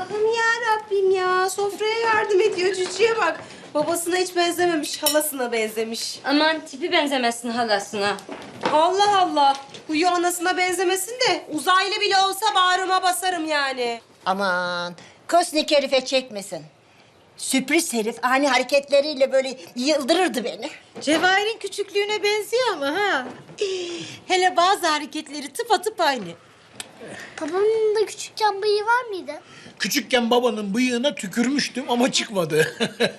Allah'ım ya Rabbim ya. Sofraya yardım ediyor. Cücüye bak. Babasına hiç benzememiş, halasına benzemiş. Aman tipi benzemesin halasına. Allah Allah. Huyu anasına benzemesin de uzaylı bile olsa bağrıma basarım yani. Aman kosnik herife çekmesin. Sürpriz herif ani hareketleriyle böyle yıldırırdı beni. Cevahir'in küçüklüğüne benziyor ama ha. Hele bazı hareketleri tıpatıp aynı. Babamın da küçükken bıyığı var mıydı? Küçükken babanın bıyığına tükürmüştüm ama çıkmadı.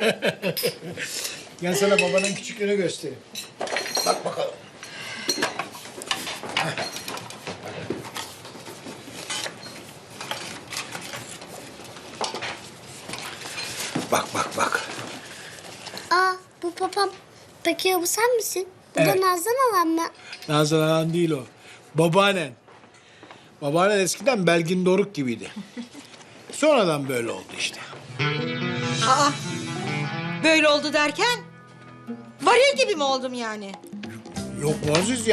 Gel sana babanın küçüklüğünü göstereyim. Bak bakalım. Bak bak bak. Aa, bu papam. Peki ya bu sen misin? Bu da Evet. Nazan halam mı? Nazan Anan değil o. Babaannen. Babaannen eskiden Belgin Doruk gibiydi. Sonradan böyle oldu işte. Aa, böyle oldu derken? Varil gibi mi oldum yani? Yok Muazzez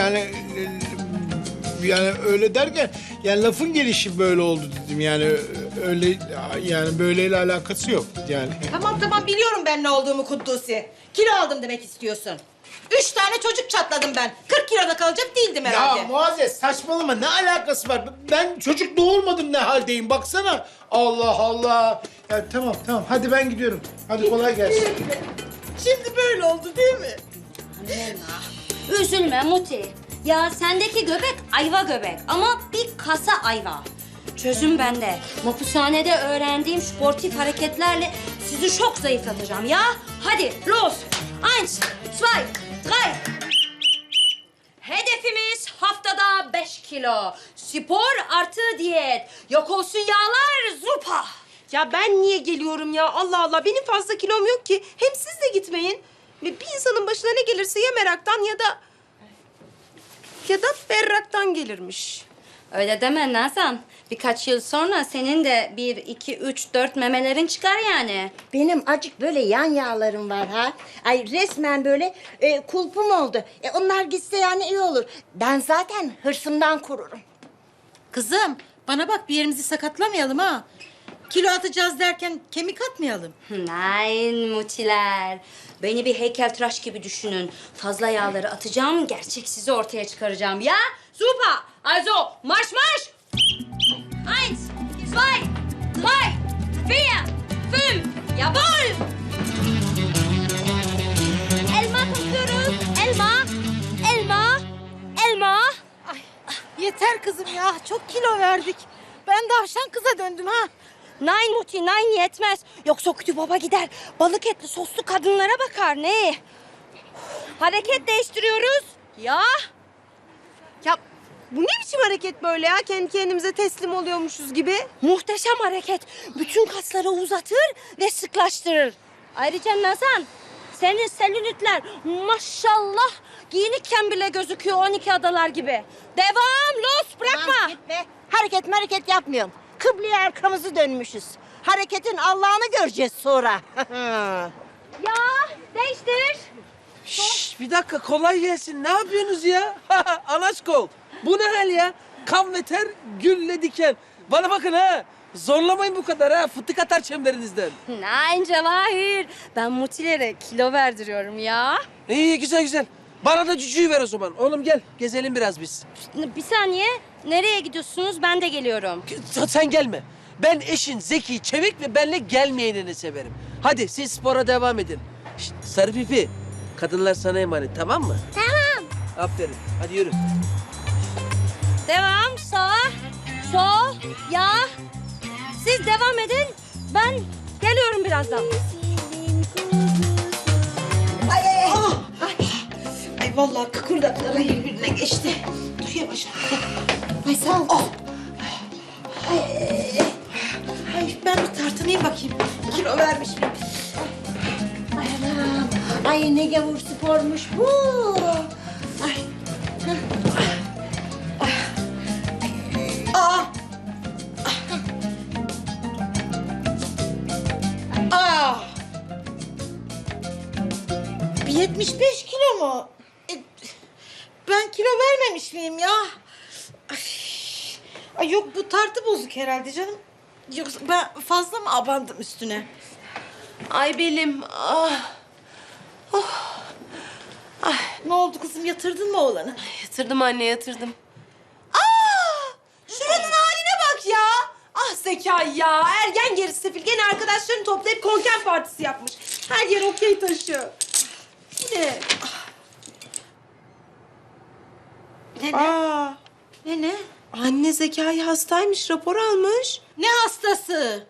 yani öyle derken yani lafın gelişi böyle oldu dedim yani öyle yani böyleyle alakası yok yani. Tamam biliyorum ben ne olduğumu Kuddusi. Kilo aldım demek istiyorsun. 3 tane çocuk çatladım ben. 40 kiloda kalacak değildim herhalde. Ya Muazzez saçmalama ne alakası var? Ben çocuk doğurmadım ne haldeyim baksana. Allah Allah. Ya tamam hadi ben gidiyorum. Hadi kolay gelsin. Şimdi böyle oldu değil mi? Üzülme Muti. Ya sendeki göbek ayva göbek ama bir kasa ayva. Çözüm bende. Mapushanede öğrendiğim sportif hareketlerle sizi çok zayıflatacağım ya. Hadi los. Eins, zwei, drei. Hedefimiz haftada 5 kilo. Spor artı diyet. Yok olsun yağlar zupa. Ya ben niye geliyorum ya? Allah Allah. Benim fazla kilom yok ki. Hem siz de gitmeyin. Ve bir insanın başına ne gelirse ya meraktan ya da berraktan gelirmiş. Öyle deme Nazan. Birkaç yıl sonra senin de 1, 2, 3, 4 memelerin çıkar yani. Benim acık böyle yan yağlarım var ha. Ay resmen böyle kulpum oldu. Onlar gitse yani iyi olur. Ben zaten hırsımdan kururum. Kızım bana bak bir yerimizi sakatlamayalım ha. Kilo atacağız derken kemik atmayalım. Nein mutiler. Beni bir heykeltıraş gibi düşünün. Fazla yağları atacağım, gerçek sizi ortaya çıkaracağım. Ya, super. Also, marş marş. Eins, zwei, drei, vier, fünf. Jawohl. Elma topluyoruz. Elma, elma, elma. Yeter kızım ya çok kilo verdik. Ben davşan kıza döndüm ha. Nein Muti, nein yetmez. Yoksa kötü baba gider. Balık etli soslu kadınlara bakar ne? Hareket değiştiriyoruz. Ya. Ya bu ne biçim hareket böyle ya? Kendi kendimize teslim oluyormuşuz gibi. Muhteşem hareket. Bütün kasları uzatır ve sıklaştırır. Ayrıca Nazan, senin selülitler maşallah giyinikken bile gözüküyor 12 adalar gibi. Devam, los, bırakma. Aman gitme. Hareket yapmıyorum. Kıbleye arkamızı dönmüşüz. Hareketin Allah'ını göreceğiz sonra. Ya, değiştir. Şşş, bir dakika kolay gelsin. Ne yapıyorsunuz ya? Anaçkol. Bu ne hal ya? Kan ve ter, gülle diken. Bana bakın ha. Zorlamayın bu kadar ha. Fıtık atar çemberinizden. Nein Cevahir. Ben mutilere kilo verdiriyorum ya. İyi güzel. Bana da cücüğü ver o zaman. Oğlum gel gezelim biraz biz. Bir saniye. Nereye gidiyorsunuz? Ben de geliyorum. Sen gelme. Ben eşin zeki, çevik ve benle gelmeyenini severim. Hadi siz spora devam edin. Şşt, sarı pipi. Kadınlar sana emanet tamam mı? Tamam. Aferin. Hadi yürü. Devam. Sağ. Sol. Ya. Siz devam edin. Ben geliyorum birazdan. Ay vallahi kıkırdakları birbirine geçti. Dur yavaş. Ay sağ ol. Ay ben bir tartınayım bakayım. Kilo vermiş miyim? Ay anam. Ay ne gavur spormuş bu. Ay. Aa. Aa. Bir 75 kilo mu? Ben kilo vermemiş miyim ya? Ay yok bu tartı bozuk herhalde canım. Yoksa ben fazla mı abandım üstüne? Ay belim. Ah. Ne oldu kızım, yatırdın mı oğlanı? Yatırdım anne, yatırdım. Şuranın haline bak ya. Ah Zekai ya. Ergen gerisi sefil. Gene arkadaşlarını toplayıp konken partisi yapmış. Her yer okey taşı. Bu ne? Aa, Ne? anne Zekai hastaymış. Rapor almış. Ne hastası?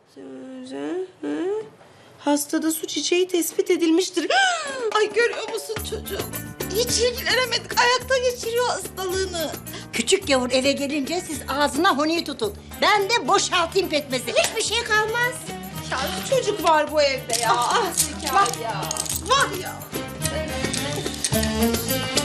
Hastada su çiçeği tespit edilmiştir. Ay görüyor musun çocuğum? Hiç ilgilenemedik. Ayakta geçiriyor hastalığını. Küçük yavur eve gelince siz ağzına honi tutun. Ben de boşaltayım pekmezi. Hiçbir şey kalmaz. Ya bir çocuk var bu evde ya. Ah Zekai ya. Var ya.